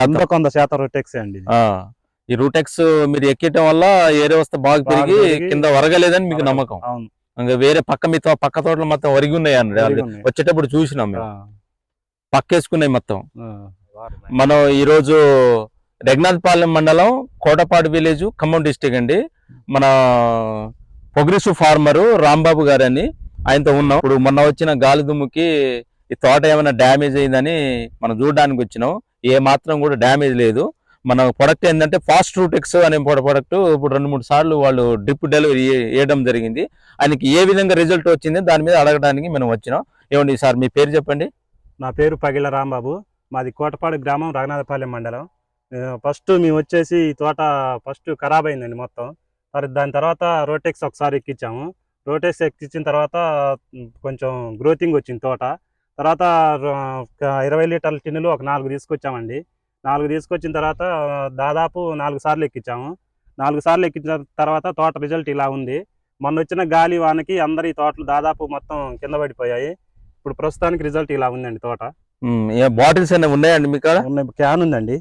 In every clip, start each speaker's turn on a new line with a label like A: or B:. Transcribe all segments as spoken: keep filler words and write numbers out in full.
A: వందకు వంద శాతం రూటెక్స్ అండి.
B: ఈ రూటెక్స్ మీరు ఎక్కటం వల్ల ఏరే వస్తే బాగా పెరిగి కింద వరగలేదని మీకు నమ్మకం.
A: అవును.
B: ఇంకా వేరే పక్క మీ పక్క తోటలు మొత్తం వరిగి ఉన్నాయి అండి. వచ్చేటప్పుడు చూసినాం మేము, పక్కేసుకున్నాయి మొత్తం. మనం ఈరోజు రఘునాథపాలెం మండలం కోటపాడు విలేజ్ ఖమ్మం డిస్టిక్ అండి. మన పొగ్రెసివ్ ఫార్మరు రాంబాబు గారని ఆయనతో ఉన్నాం. ఇప్పుడు మొన్న వచ్చిన గాలి దుమ్ముకి ఈ తోట ఏమైనా డ్యామేజ్ అయిందని మనం చూడడానికి వచ్చినాం. ఏ మాత్రం కూడా డ్యామేజ్ లేదు. మన ప్రొడక్ట్ ఏంటంటే ఫాస్ట్ రూటెక్స్ అనే ప్రొడక్ట్ ఇప్పుడు రెండు మూడు సార్లు వాళ్ళు డ్రిప్ డెలివరీ వేయడం జరిగింది. ఆయనకి ఏ విధంగా రిజల్ట్ వచ్చింది దాని మీద అడగడానికి మనం వచ్చినాం. ఏమండి సార్ మీ పేరు చెప్పండి.
A: నా పేరు పగిల రాంబాబు, మాది కోటపాడు గ్రామం, రఘునాథపాలెం మండలం. ఫస్ట్ మేము వచ్చేసి ఈ తోట ఫస్ట్ ఖరాబ్ అయిందండి మొత్తం. మరి దాని తర్వాత రోటెక్స్ ఒకసారి ఎక్కించాము. రోటెక్స్ ఎక్కించిన తర్వాత కొంచెం గ్రోతింగ్ వచ్చింది తోట. తర్వాత ఇరవై లీటర్ల టిన్నులు ఒక నాలుగు తీసుకొచ్చామండి. నాలుగు తీసుకొచ్చిన తర్వాత దాదాపు నాలుగు సార్లు ఎక్కించాము. నాలుగు సార్లు ఎక్కించిన తర్వాత తోట రిజల్ట్ ఇలా ఉంది. మొన్న వచ్చిన గాలి వానకి అందరి తోటలు దాదాపు మొత్తం కింద పడిపోయాయి. ఇప్పుడు ప్రస్తుతానికి రిజల్ట్ ఇలా ఉందండి తోట.
B: బాటిల్స్ అనేవి ఉన్నాయండి మీకు?
A: క్యాన్ ఉందండి.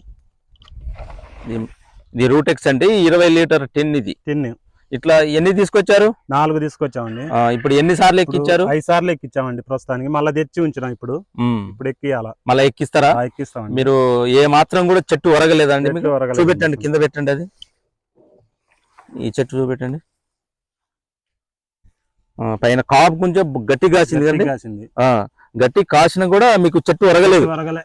B: ఇది రూటెక్స్ అంటే ఇరవై లీటర్ టిన్. ఇది
A: టిన్
B: ఇట్లా ఎన్ని తీసుకొచ్చారు?
A: నాలుగు తీసుకొచ్చామండి.
B: ఇప్పుడు ఎన్ని సార్లు ఎక్కించారు?
A: ఐదు సార్లు ఎక్కించామండి. ప్రస్తుతానికి మళ్ళీ తెచ్చి ఉంచినాం. ఇప్పుడు ఇప్పుడు ఎక్కియాలా?
B: మళ్ళీ ఎక్కిస్తారా?
A: ఎక్కిస్తామండి.
B: మీరు ఏ మాత్రం కూడా చెట్టు ఒరగలేదండి? చూపెట్టండి, కింద పెట్టండి. అది ఈ చెట్టు చూపెట్టండి. పైన కాపు కొంచెం గట్టి కాసింది కండి. గట్టి కాసిన కూడా మీకు చెట్టు ఒరగలేదు.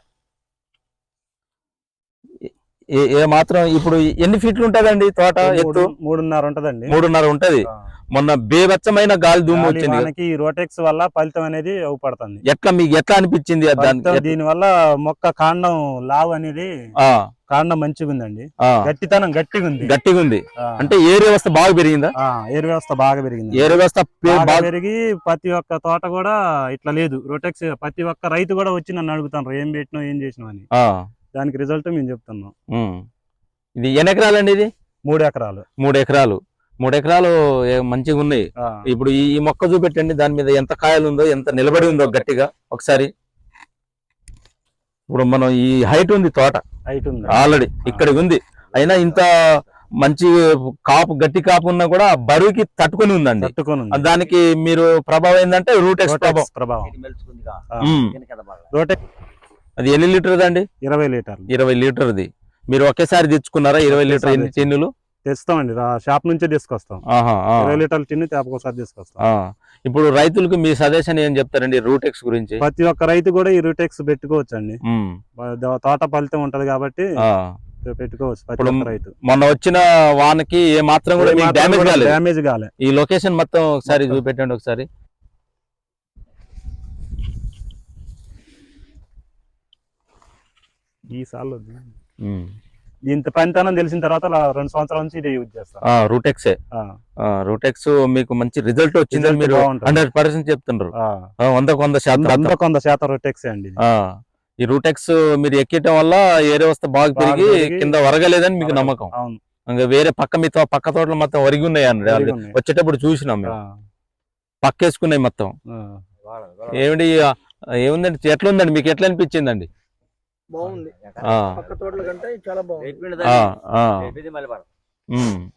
B: ఏ మాత్రం. ఇప్పుడు ఎన్ని ఫీట్లు ఉంటదండి తోట ఎత్తు?
A: మూడున్నర ఉంటదండి.
B: మూడున్నర ఉంటది. మొన్న బేవచ్చమైన గాలి దుమ్ము వచ్చింది.
A: రోటెక్స్ వల్ల ఫలితం అనేది అవుపడుతుంది.
B: ఎట్లా మీకు ఎట్లా అనిపించింది?
A: దీని వల్ల మొక్క కాండం లావు అనేది కాండం మంచిగా ఉందండి. గట్టితనం గట్టిగా ఉంది.
B: గట్టిగా ఉంది అంటే ఏరు వ్యవస్థ బాగా పెరిగిందా?
A: ఏరు వ్యవస్థ బాగా పెరిగింది.
B: ఏరు వ్యవస్థ
A: పెరిగి ప్రతి ఒక్క తోట కూడా ఇట్లా లేదు. రోటెక్స్ ప్రతి ఒక్క రైతు కూడా వచ్చి నన్ను అడుగుతాను ఏం పెట్టినావు ఏం చేసినావు అని. దానికి రిజల్ట్ మేము చెప్తున్నాం.
B: ఇది ఎన్ని ఎకరాలండి? ఇది
A: మూడు ఎకరాలు.
B: మూడు ఎకరాలు మూడు ఎకరాలు మంచిగా ఉన్నాయి. ఇప్పుడు ఈ మొక్క చూపెట్టండి, దాని మీద ఎంత కాయలు ఉందో, ఎంత నిలబడి ఉందో గట్టిగా ఒకసారి. ఇప్పుడు మనం ఈ హైట్ ఉంది తోట,
A: హైట్ ఉంది
B: ఆల్రెడీ ఇక్కడికి ఉంది. అయినా ఇంత మంచి కాపు గట్టి కాపు ఉన్నా కూడా బరువుకి తట్టుకొని ఉందండి. దానికి మీరు ప్రభావం ఏంటంటే రూటెక్స్ ప్రభావం. అది ఎన్ని లీటర్ అండి?
A: ఇరవై లీటర్
B: ఇరవై లీటర్ది మీరు ఒకేసారి తెచ్చుకున్నారా? ఇరవై లీటర్ ఎన్ని టిన్నులు?
A: తెస్తామండి, షాప్ నుంచే తీసుకొస్తాం. ఇరవై లీటర్ల టిన్ను ఒకసారి తీసుకొస్తాం.
B: ఇప్పుడు రైతులకు మీ సజెషన్ ఏం చెప్తారండి రూటెక్స్ గురించి?
A: ప్రతి ఒక్క రైతు కూడా ఈ రూటెక్స్ పెట్టుకోవచ్చు అండి. తోట ఫలితం ఉంటది కాబట్టి పెట్టుకోవచ్చు రైతు.
B: మొన్న వచ్చిన వానకి ఏ మాత్రం కూడా
A: డ్యామేజ్ కాలే.
B: ఈ లొకేషన్ మొత్తం ఒకసారి చూపెట్టండి ఒకసారి.
A: ఈ సార్లు ఇంత పనితనం తెలిసిన తర్వాత రెండు సంవత్సరాల నుంచి ఇదే యూజ్ చేస్తాం.
B: రూటెక్స్ రూటెక్స్ మీకు మంచి రిజల్ట్ వచ్చిందని మీరు హండ్రెడ్ పర్సెంట్ చెప్తున్నారు. వందకు వంద శాతం
A: వందకు వంద శాతం రూటెక్స్ అండి.
B: ఈ రూటెక్స్ మీరు ఎక్కటం వల్ల ఏరే వస్తే బాగా పెరిగి కింద వరగలేదని మీకు నమ్మకం. ఇంకా వేరే పక్క మీ పక్క తోటలు మొత్తం వరిగి ఉన్నాయి అండి. వచ్చేటప్పుడు చూసినాం మేము, పక్కేసుకున్నాయి మొత్తం. ఏమిటి ఏముందండి, ఎట్లా ఉందండి మీకు? ఎట్లా అనిపించిందండి?
C: బాగుంది. పక్క తోటల కంటే చాలా బాగుంది.